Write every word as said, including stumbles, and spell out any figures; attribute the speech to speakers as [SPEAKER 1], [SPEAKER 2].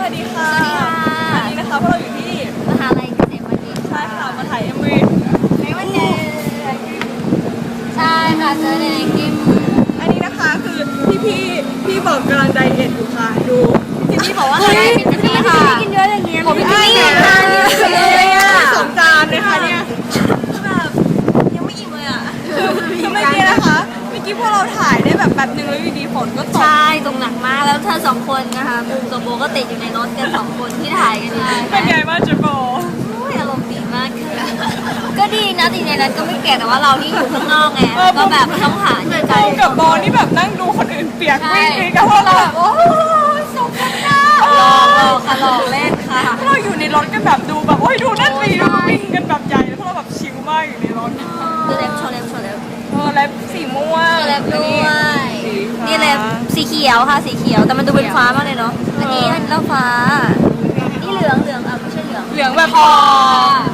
[SPEAKER 1] วัสดีค่ะวันนี้นะคะพวกเราอยู่ที่
[SPEAKER 2] มหาลัยเกษตรบัณฑิต
[SPEAKER 1] ใช่ค่ะมาถ่ายเอ็มวีในวันนี้
[SPEAKER 2] ใช่ค่ะเจอในคลิป
[SPEAKER 1] อันนี้นะคะคือพี่พี่พี่บอกกำลังไดเอทอยู่ค่ะดูพี่พี่บอกว่า
[SPEAKER 2] ใช่เป็นพี่ค่ะกินเยอะอย่างเงี้ยผมพี่พี่
[SPEAKER 1] กินเลยอ่ะสองจานเลยค่ะเนี่ย
[SPEAKER 2] แบบยังไม่อิ่มเลยอ่ะ
[SPEAKER 1] คือเมื่อกี้นะคะเมื่อกี้พวกเราถ่ายได้แบบแป๊บนึงแล้วอยู่ดีฝนก็ตก
[SPEAKER 2] ใช่ตรงหนักมากแล้วเธอสองคนนะคะบูมกับโบก็ติดอยู่ในรถกันสองคนที่ถ่ายกันอยู่
[SPEAKER 1] เป็นไงบ้างจ๊โบ
[SPEAKER 2] อารมณ์ดีมากค่ะก็ดีนะติดในนั้นก็ไม่แก่แต่ว่าเราที่อยู่ข้างนอกไงก็แบบต้องหาที่ไกล
[SPEAKER 1] กับโบนี่แบบนั่งดูคนอื่นเปียกวิ่งกันพวกเราแบบโอ้สมกันนะ
[SPEAKER 2] หลอกหลอกค่ะหลอกเล่นค่ะ
[SPEAKER 1] เราอยู่ในรถกันแบบดูแบบโอ้ยดูนั่นสิดูวิ่งกันแบบใหญ่แล้วพวกเราแบบชิลมากอยู่ในรถ
[SPEAKER 2] ดูเล็บโชว์เล็บโชว์เล็บ
[SPEAKER 1] เออเล็บสีม่วง
[SPEAKER 2] เล็บด้วยนี่เล็บสีเขียวค่ะสีเขียวแต่มันดูเป็นฟ้ามากเลยเนาะอันนี้อันนี้ฟ้านี่เหลืองเหลืองอ่ะไม่ใช่เหลือง
[SPEAKER 1] เหลืองแบบพอ